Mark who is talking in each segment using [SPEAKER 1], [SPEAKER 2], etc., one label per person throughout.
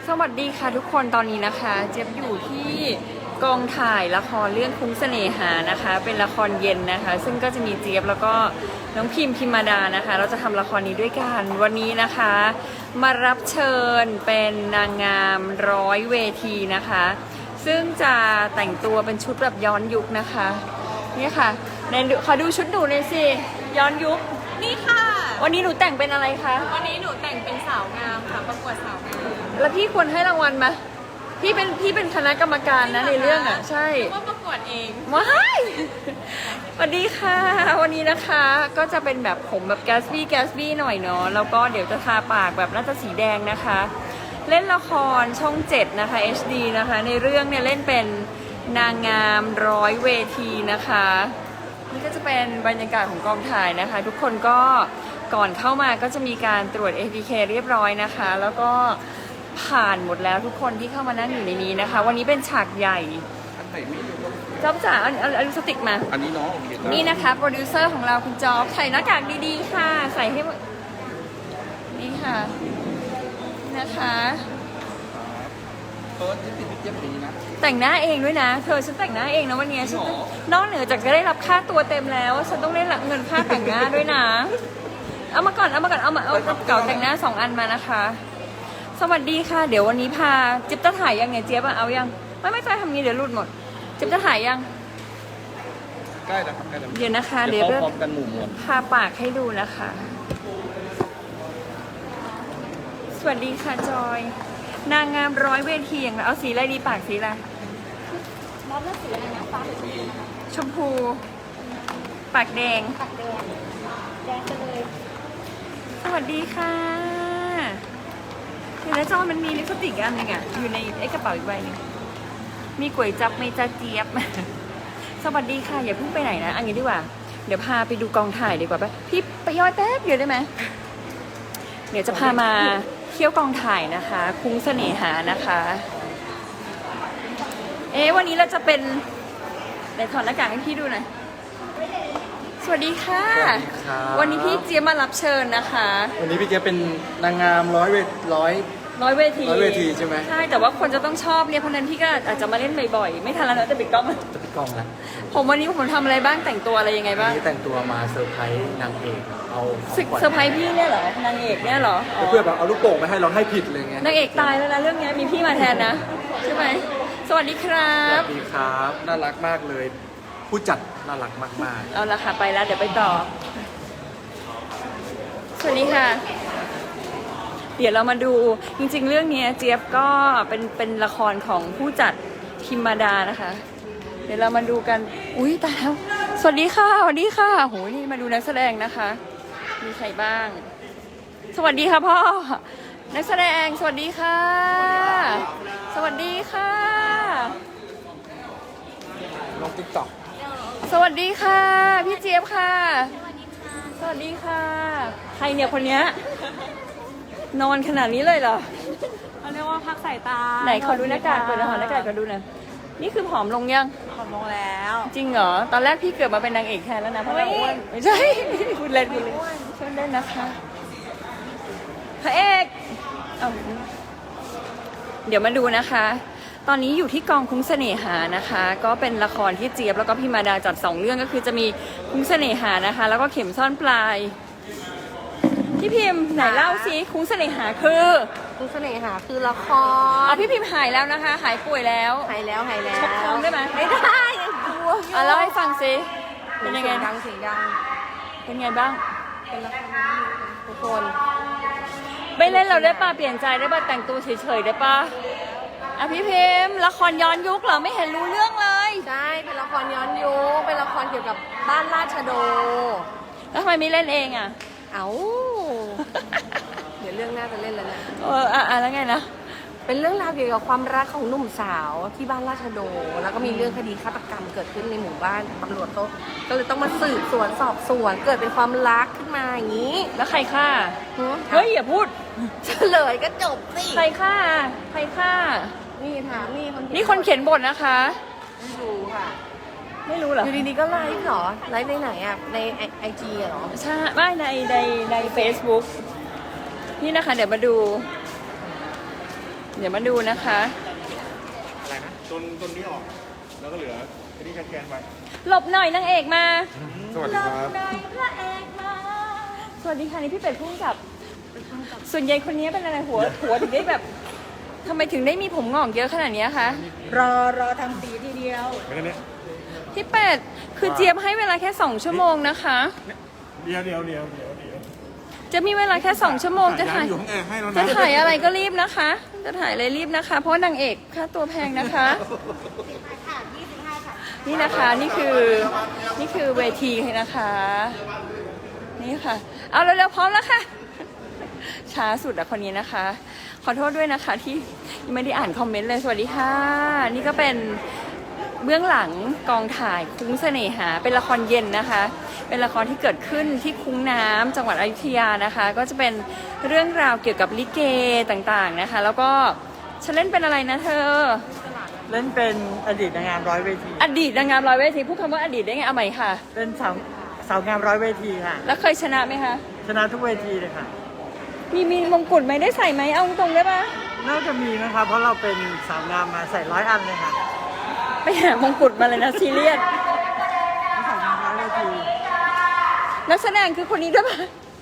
[SPEAKER 1] สวัสดีค่ะทุกคนตอนนี้นะคะเจี๊ยบอยู่ที่กองถ่ายละครเรื่องคุ้งเสน่หานะคะเป็นละครเย็นนะคะซึ่งก็จะมีเจี๊ยบแล้วก็น้องพิมมาดานะคะเราจะทำละครนี้ด้วยกันวันนี้นะคะมารับเชิญเป็นนางงาม100 เวทีนะคะซึ่งจะแต่งตัวเป็นชุดแบบย้อนยุคนะคะนี่ค่ะในขอดูชุดหนูหน่อยสิย้อนยุค
[SPEAKER 2] นี่ค่ะ
[SPEAKER 1] วันนี้หนูแต่งเป็นอะไรคะ
[SPEAKER 2] วันนี้หนูแต่งเป็นสาวงามค่ะประกวดสาวงาม
[SPEAKER 1] แล้วพี่ควรให้รางวัลไหมพี่เป็นคณะกรรมการนะในเรื่องอ่ะใช่
[SPEAKER 2] ว่าประกวดเอง
[SPEAKER 1] ว้ายสวัสดีค่ะวันนี้นะคะก็จะเป็นแบบผมแบบแกสบี้หน่อยเนาะแล้วก็เดี๋ยวจะทาปากแบบน่าจะสีแดงนะคะเล่นละครช่อง7นะคะ HD นะคะในเรื่องเนี่ยเล่นเป็นนางงาม100 เวทีนะคะนี่ก็จะเป็นบรรยากาศของกองถ่ายนะคะทุกคนก็ก่อนเข้ามาก็จะมีการตรวจ ATK เรียบร้อยนะคะแล้วก็ผ่านหมดแล้วทุกคนที่เข้ามานั่งอยู่ในนี้นะคะวันนี้เป็นฉากใหญ่จ๊อบจ๋าเอาลิปสติกมา
[SPEAKER 3] อันนี้เนาะ
[SPEAKER 1] นี่นะคะโปรดิวเซอร์ของเราคุณจ๊อบใส่หน้ากากดีๆค่ะใส่ให้นี่ค่ะนะคะ
[SPEAKER 3] เปิดที่ติดเจ็บดีนะ
[SPEAKER 1] แต่งหน้าเองด้วยนะเธอฉันแต่งหน้าเองนะวันนี้ฉันนอกเหนือจากจะได้รับค่าตัวเต็มแล้วฉันต้องได้รับเงินค่าแต่งหน้าด้วยนะเอามาก่อนเอาเก่าแต่งหน้า2 อันมานะคะสวัสดีค่ะเดี๋ยววันนี้พาจิ๊บจะถ่ายยังไงเจี๊ยบเอายังไม่ใจทำงี้เดี๋ยวหลุดหมดจิ๊บจะถ่ายยัง
[SPEAKER 3] ใกล้แล้วครับใกล้แล้ว
[SPEAKER 1] เดี๋ยวนะคะเดี๋ยว
[SPEAKER 3] พร้อมกันหมู่มวล
[SPEAKER 1] พาปากให้ดูนะคะสวัสดีค่ะจอยนางงาม100 เวทีอย่างไรเอาสีอะไรดีปากสีอะไร
[SPEAKER 2] มอบเลือกสีอะไรนะฟ้าหรือสี
[SPEAKER 1] ชมพูปากแดง
[SPEAKER 2] ปากแดงแดงไปเลย
[SPEAKER 1] สวัสดีค่ะเห็นแล้วจอมันมีลิปสติกอันนึงอ่ะอยู่ในไอ้กระเป๋าอีกใบนึงมีก๋วยจับไม่จ้าเจี๊ยบสวัสดีค่ะอย่าเพิ่งไปไหนนะอันนี้ดีกว่าเดี๋ยวพาไปดูกองถ่ายดีกว่าป่ะพี่ไปย่อยแป๊บเดียวได้ไหมเดี๋ยวจะพามาเที่ยวกองถ่ายนะคะคุ้งเสน่หานะคะวันนี้เราจะเป็นเดี๋ยวถอดหน้ากากให้พี่ดูหน่อยสวัสดีค่ะวันนี้พี่เจี๊ยบมารับเชิญนะคะ
[SPEAKER 3] วันนี้พี่เจี๊ยบเป็นนางงาม100 เวทีใช่ไหม
[SPEAKER 1] ใช่แต่ว่าคนจะต้องชอบเนี่ยเพราะนั้นพี่ก็อาจจะมาเล่นบ่อยๆไม่ทันแล้วนะจะปิดกล้อง
[SPEAKER 3] นะ
[SPEAKER 1] ผมวันนี้ผมทำอะไรบ้างแต่งตัวอะไรยังไงบ้าง
[SPEAKER 3] วันนี้แต่งตัวมาเซอร์ไพรส์นางเอกเอา
[SPEAKER 1] เซอร์ไพรส์พี่เนี่ยเหรอนางเอกเนี่ยเหรอ
[SPEAKER 3] เพื่อแบบเอาลูกโป่งมาให้เราให้ผิดเลยไง
[SPEAKER 1] นางเอกตายแล้วนะเรื่องนี้มีพี่มาแทนนะใช่ไหมสวัสดีครับ
[SPEAKER 3] สวัสดีครับน่ารักมากเลยผู้จัดน่ารักมาก
[SPEAKER 1] ๆเอาละค่ะไปแล้วเดี๋ยวไปต่อสวัสดีค่ะเดี๋ยวเรามาดูจริงๆเรื่องนี้เจี๊ยบก็เป็นละครของผู้จัดพิมมาดานะคะเดี๋ยวเรามาดูกันอุ้ยตายแล้วสวัสดีค่ะโหนี่มาดูนักแสดงนะคะมีใครบ้างสวัสดีค่ะพ่อนักแสดงสวัสดีค่ะสวัสดีค่ะ
[SPEAKER 3] ลงติ๊กต็อก
[SPEAKER 1] สวัสดีค่ะพี่เจี๊ยบค่ะสวัสดีค่ะใครเนี่ยคนเนี้ยนอนขนาดนี้เลยเหรอ
[SPEAKER 2] เขาเรียกว่าพักสายตา
[SPEAKER 1] ไหนขอดูหน้ากากก่อนนะขอหน้ากากก่อนดูนะนี่คือผอมลงยัง
[SPEAKER 2] ผอมลงแล้ว
[SPEAKER 1] จริงเหรอตอนแรกพี่เกิดมาเป็นนางเอกแทนแล้วนะเพราะเราอ้วนไม่ใช่พูดเล่นช่วยเล่นนะคะพระเอกเดี๋ยวมาดูนะคะตอนนี้อยู่ที่กองคุ้งเสน่หานะคะก็เป็นละครที่เจี๊ยบแล้วก็พิมมาดาจัด2 เรื่องก็คือจะมีคุ้งเสน่หานะคะแล้วก็เข็มซ่อนปลายพี่พิมพ์ไหนเล่าซิคุ้งเสน่หาคือ
[SPEAKER 2] คุ้งเสน่หาคือละคร
[SPEAKER 1] พี่พิมพ์หายแล้วนะคะหายป่วยแล้ว
[SPEAKER 2] หายแล้ว
[SPEAKER 1] ชกท้องได้ไหม
[SPEAKER 2] ไม่ได้ยังกลัว
[SPEAKER 1] เล่าให้ฟังซิเป็นยังไง
[SPEAKER 2] เสียงดัง
[SPEAKER 1] เป็นไงบ้าง
[SPEAKER 2] เป็นละครทุกคน
[SPEAKER 1] ไม่เล่นเราได้ป่ะเปลี่ยนใจได้ป่ะแต่งตัวเฉยๆได้ป่ะพี่พิมพ์ละครย้อนยุคเหรอไม่เห็นรู้เรื่องเลย
[SPEAKER 2] ใช่เป็นละครย้อนยุคเป็นละครเกี่ยวกับบ้านราชโด
[SPEAKER 1] แล้วทำไมไม่เล่นเอง
[SPEAKER 2] เดี๋ยวเรื่องหน้าจะเล่นแล้วนะ
[SPEAKER 1] แล้วไงนะ
[SPEAKER 2] เป็นเรื่องราวเกี่ยวกับความรักของหนุ่มสาวที่บ้านราชโดแล้วก็มีเรื่องคดีฆาตกรรมเกิดขึ้นในหมู่บ้านตำรวจเขาก็เลยต้องมาสืบสวนสอบสวนเกิดเป็นความรักขึ้นมาอย่างนี้
[SPEAKER 1] แล้วใครฆ่าเฮ้ยอย่าพูด
[SPEAKER 2] เฉลยก็จบสิ
[SPEAKER 1] ใครฆ่า
[SPEAKER 2] นี่ถาม
[SPEAKER 1] นี่คนเขียนบทนะคะ
[SPEAKER 2] ไม่รู้ค่ะ
[SPEAKER 1] ไม่รู้เหรอ
[SPEAKER 2] อยู่ดีๆก็ไลฟ์เหรอไลฟ์ในไหนอ่ะในIGเหรอ
[SPEAKER 1] ใช่ไม่ใน Facebook นี่นะคะเดี๋ยวมาดูเดี๋ยวมาดูนะคะ
[SPEAKER 4] อะไรนะต้นนี้ออก แล้วก็เหลืออันนี้แกนไป
[SPEAKER 1] หลบหน่อยนางเอกมา
[SPEAKER 4] สวัสดีครับ
[SPEAKER 1] หลหน่อยพระเอกมาสวัสดีค่ะนี่พี่เป็ดพุ่งกับ ส่วนใหญ่คนนี้เป็นอะไรหัวถึงได้แบบทำไมถึงได้มีผมงอกเยอะขนาดนี้คะ
[SPEAKER 5] รอทำสีทีเดียว
[SPEAKER 4] ไม่ได้เนี่ย
[SPEAKER 1] พี่เป็ดคือเจี๊ยบให้เวลาแค่2 ชั่วโมงนะคะ
[SPEAKER 4] เดี๋ยว
[SPEAKER 1] จะมีเวลาแค่2 ชั่วโมงจะถ่าย
[SPEAKER 4] อยู่ห้องแอร์ให้แล้วนะ
[SPEAKER 1] จะถ่ายอะไรก็รีบนะคะ จะถ่ายอะไรรีบนะคะ เพราะว่านางเอกค่าตัวแพงนะคะ นี่นะคะนี่คือเวทีนะคะ นี่ค่ะ เอาเร็วๆพร้อมแล้วค่ะ ช้าสุดอะคนนี้นะคะ ขอโทษด้วยนะคะที่ยังไม่ได้อ่านคอมเมนต์เลยสวัสดีค่ะ นี่ก็เป็นเบื้องหลังกองถ่ายคุ้งเสน่หาเป็นละครเย็นนะคะ เป็นละครที่เกิดขึ้นที่คุ้งน้ำจังหวัดอยุธยานะคะ ก็จะเป็นเรื่องราวเกี่ยวกับลิเกต่างๆนะคะ แล้วก็ฉันเล่นเป็นอะไรนะเธอ
[SPEAKER 5] เล่นเป็นอดีตนางงามร้อยเวที
[SPEAKER 1] อดีตนางงามร้อยเวทีพูดคำว่าอดีตได้ไงเอาใหม่ค่ะ
[SPEAKER 5] เป็นสาวงามร้อยเวทีค่ะ
[SPEAKER 1] แล้วเคยชนะไหมคะ
[SPEAKER 5] ชนะทุกเวทีเลยค่ะ
[SPEAKER 1] มีมงกุฎไหมได้ใส่ไหมเอาตรงๆได้ปะ
[SPEAKER 5] น่าจะมีนะครับ เพราะเราเป็นสาวงามมาใส่100 อันเลยค่ะ
[SPEAKER 1] ไปหามงกุฎมาเลยนะซีเรียส
[SPEAKER 5] สาวงามร้อยเวที
[SPEAKER 1] นักแสดงคือคนนี้ด้วยปะ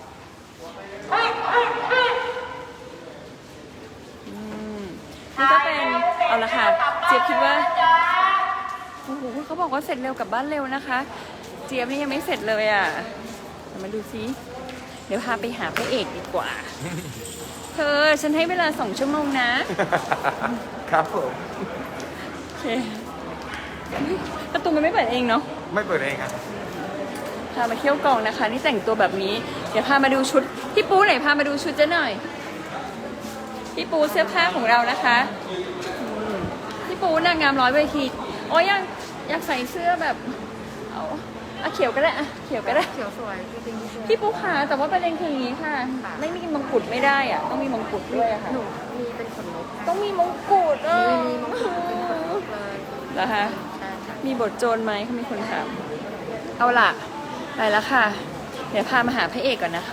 [SPEAKER 1] นี่ก็เป็นเอาละค่ะเจี๊ยบคิดว่าโอ้โหเขาบอกว่าเสร็จเร็วกลับบ้านเร็วนะคะ เจี๊ยบนี่ยังไม่เสร็จเลยอ่ะเดี๋ยวมาดูซิเดี๋ยวพาไปหาพระเอกดีกว่า เธอฉันให้เวลา2 ชั่วโมงนะ
[SPEAKER 4] ครับผม
[SPEAKER 1] โอเคประตูมันไม่เปิดเองเนาะ
[SPEAKER 4] ไม่เปิดเองครับ
[SPEAKER 1] พามาเที่ยวกองนะคะ นี่แต่งตัวแบบนี้ เดี๋ยวพามาดูชุด พี่ปูไหนพามาดูชุดเจ๊หน่อย พี่ปูเสื้อผ้าของเรานะคะพี่ปูนางงามร้อยเวทีอ๋ออยากใส่เสื้อแบบเอาเขียวก็ได้อะเขียวก็ได้
[SPEAKER 2] เขียวสวยจริงๆ
[SPEAKER 1] พี่ปูขาแต่ว่าประเด็นคืออย่างนี้ค่ะ ไม่มีมงกุฎไม่ได้อ่ะ ต้องมีมงกุฎด้วยอะค่ะ
[SPEAKER 2] หนูมีเป็นขนนก
[SPEAKER 1] ต้องมีมงกุฎเออ
[SPEAKER 2] มีมงกุฎเป็นขนนกเลย
[SPEAKER 1] เหรอคะ
[SPEAKER 2] ใช่ค่ะ
[SPEAKER 1] มีบทโจรไหมเขามีคนถาม เอาล่ะ ไปแล้วค่ะ เดี๋ยวพามาหาพระเอกก่อนนะคะ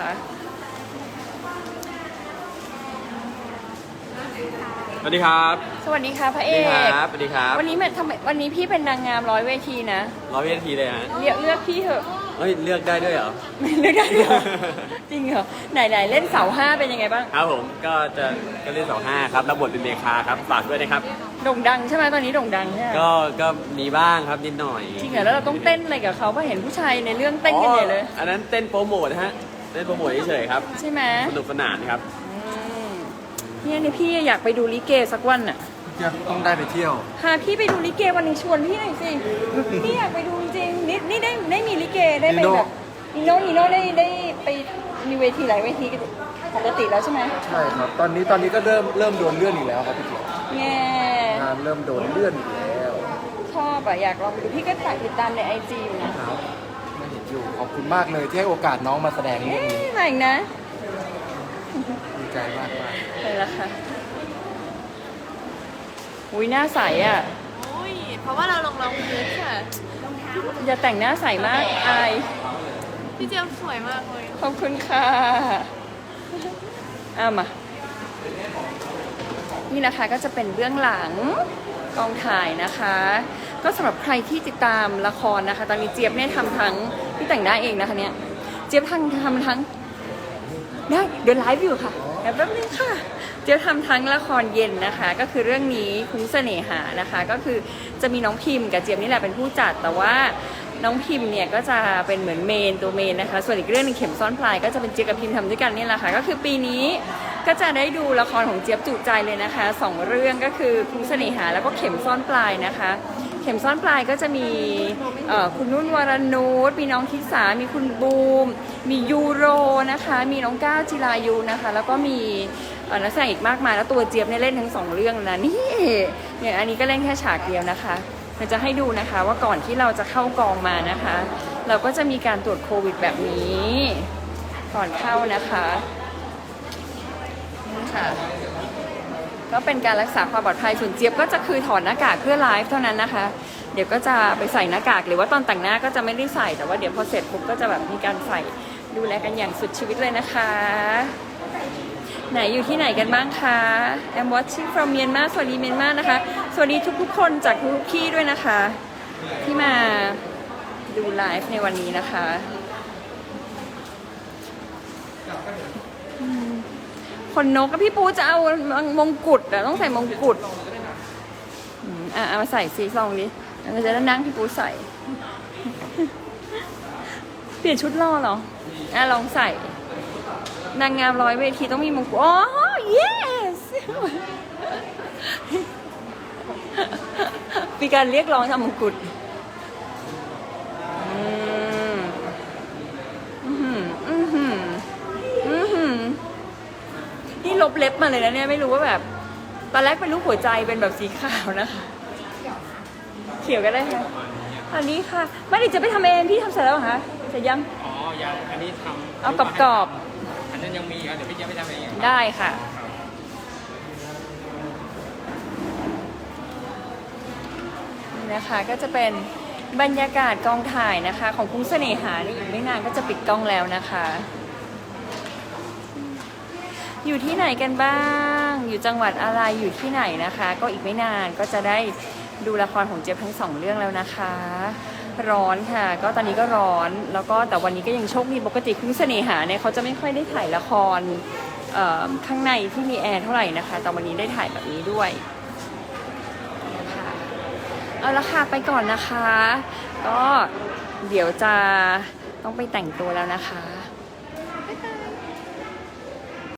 [SPEAKER 6] สวัสดีครับ
[SPEAKER 1] สวัสดีค่ะพระ
[SPEAKER 6] ส
[SPEAKER 1] เอ
[SPEAKER 6] วัสดี
[SPEAKER 1] ก
[SPEAKER 6] ครับ สวัสดีครับ
[SPEAKER 1] วันนี้ทำไมวันนี้พี่เป็นนางงามร้อยเวทีนะ
[SPEAKER 6] ร้อยวินาทีเลยฮะ
[SPEAKER 1] เลือกพี่เถอะ
[SPEAKER 6] เฮ้ย เลือกได้ด้วยเหรอ
[SPEAKER 1] ไม่เลือกได้เหรอ จริงเหรอไหนเล่นเสาห้าเป็นยังไงบ้าง
[SPEAKER 6] ครับผม ก็เล่น2-5ครับ รับบทเป็นเมคาครับ ฝากด้วยนะครับ
[SPEAKER 1] โด่งดังใช่ไหมตอนนี้โด่งดังใช่ไหม
[SPEAKER 6] ก็มีบ้างครับนิดหน่อย
[SPEAKER 1] จริงเหรอแล้วเราต้องเต้นอะไรกับเขาเพราะเห็นผู้ชายในเรื่องเต้นกันใหญ่เลย
[SPEAKER 6] อันนั้นเต้นโปรโมทฮะ เต้นโปรโมทเฉยๆครับ
[SPEAKER 1] ใช่ไหม
[SPEAKER 6] สนุกสนานครับ
[SPEAKER 1] เนี่ยพี่อยากไปดูลิเกสักวันน่ะ
[SPEAKER 3] ต้องได้ไปเที่ยว
[SPEAKER 1] พาพี่ไปดูลิเกวันนี้ชวนพี่หน่อยสิ พี่อยากไปดูจริงๆนี่ได้มีลิเกได้ไปแบบนิโน่ได้ไปมีเวทีหลายเวทีปกติแล้วใช่ไหม
[SPEAKER 3] ใช่ครับ ตอนนี้ก็เริ่มโดนเลื่อนอีกแล้วครับพี่เจี๊ยบ
[SPEAKER 1] แง่
[SPEAKER 3] งานเริ่มโดนเลื่อนอีกแล้ว
[SPEAKER 1] ชอบอะอยากลองไปดูพี่ก็ถ่ายติดตามในไอจีอยู่นะครับ
[SPEAKER 3] ไม่เห็นอยู่ขอบคุณมากเลยที่ให้โอกาสน้องมาแสดงเรื่องนี้
[SPEAKER 1] มาอีกนะ
[SPEAKER 3] ดีใจมาก
[SPEAKER 1] ไปแล้วค่ะอุ้ยหน้าใสอ่ะ
[SPEAKER 2] เพราะว่าเราลงรองพื้นค่ะ
[SPEAKER 1] อย่าแต่งหน้าใสมากอาย
[SPEAKER 2] พี่เจียมสวยมากเลย
[SPEAKER 1] ขอบคุณค่ะมา นี่นะคะก็จะเป็นเบื้องหลังกองถ่ายนะคะ ก็สำหรับใครที่ติดตามละครนะคะ ตอนนี้เจี๊ยบเนี่ยทำทั้งที่แต่งหน้าเองนะคะเนี่ย เจี๊ยบทำทั้งได้เดี๋ยวไลฟ์อยู่ค่ะเดี๋ยวแป๊บนึงค่ะ เจี๊ยบทำทั้งละครเย็นนะคะ ก็คือเรื่องนี้คุ้งเสน่หานะคะ ก็คือจะมีน้องพิมพ์กับเจี๊ยบนี่แหละเป็นผู้จัด แต่ว่าน้องพิมพ์เนี่ยก็จะเป็นเหมือนตัวเมนนะคะ ส่วนอีกเรื่องหนึงเข็มซ่อนปลายก็จะเป็นเจี๊ยบกับพิมพ์ทำด้วยกันนี่แหละค่ะ ก็คือปีนี้ก็จะได้ดูละครของเจี๊ยบจุใจเลยนะคะ2 เรื่องก็คือคุ้งเสน่หาแล้วก็เข็มซ่อนปลายนะคะ เข็มซ่อนปลายก็จะมีคุณนุ่นวรนุชมีน้องทิสามีคุณบูม มียูโรนะคะ มีน้องก้าวจิรายุนะคะ แล้วก็มีนักแสดงอีกมากมายแล้วตัวเจี๊ยบเนี่ยเล่นทั้ง2 เรื่องนะนี่เนี่ยอันนี้ก็เล่นแค่ฉากเดียวนะคะเราจะให้ดูนะคะว่าก่อนที่เราจะเข้ากองมานะคะ เราก็จะมีการตรวจโควิดแบบนี้ก่อนเข้านะคะนี่ค่ะก็เป็นการรักษาความปลอดภัยส่วนเจี๊ยบก็จะคือถอดหน้ากากเพื่อไลฟ์เท่านั้นนะคะ เดี๋ยวก็จะไปใส่หน้ากากหรือว่าตอนแต่งหน้าก็จะไม่ได้ใส่แต่ว่าเดี๋ยวพอเสร็จปุ๊บก็จะแบบมีการใส่ดูแลกันอย่างสุดชีวิตเลยนะคะไหนอยู่ที่ไหนกันบ้างคะ I'm watching from Myanmar สวัสดีเมียนมานะคะ สวัสดีทุกๆคนจากทุกที่ด้วยนะคะ ที่มาดูไลฟ์ในวันนี้นะคะคนนกก็พี่ปูจะเอามงกุฎอะต้องใส่มงกุฎเอามาใส่ซีซองดิเราจะได้นั่งพี่ปูใส่ เปลี่ยนชุดรอเหรอลองใส่นางงาม100 เวทีต้องมีมงกุฎอ๋อ yes มีการเรียกร้องทำมงกุฎนี่ลบเล็บมาเลยนะเนี่ยไม่รู้ว่าแบบตอนแรกเป็นรูปหัวใจเป็นแบบสีขาวนะคะเขียวก็ได้ค่ะอันนี้ค่ะไม่ได้จะไปทำเองพี่ทำเสร็จแล้วเหรอคะเสร็จยัง
[SPEAKER 6] อ๋อ ยังอันนี้ทำ
[SPEAKER 1] เอากรอบ
[SPEAKER 6] อันนั้นยังมีครับเดี๋ยวพี่จะไปทำเอง
[SPEAKER 1] ๆได้ค่ะนี่นะคะก็จะเป็นบรรยากาศกองถ่ายนะคะ ของคุ้งเสน่หานี่อีกไม่นานก็จะปิดกล้องแล้วนะคะอยู่ที่ไหนกันบ้างอยู่จังหวัดอะไรอยู่ที่ไหนนะคะ ก็อีกไม่นานก็จะได้ดูละครของเจี๊ยบทั้ง2 เรื่องแล้วนะคะร้อนค่ะก็ตอนนี้ก็ร้อนแล้วก็แต่วันนี้ก็ยังโชคดีปกติคุ้งเสน่หาเนี่ยเขาจะไม่ค่อยได้ถ่ายละครข้างในที่มีแอร์เท่าไหร่นะคะแต่วันนี้ได้ถ่ายแบบนี้ด้วยเอาละค่ะไปก่อนนะคะก็เดี๋ยวจะต้องไปแต่งตัวแล้วนะคะ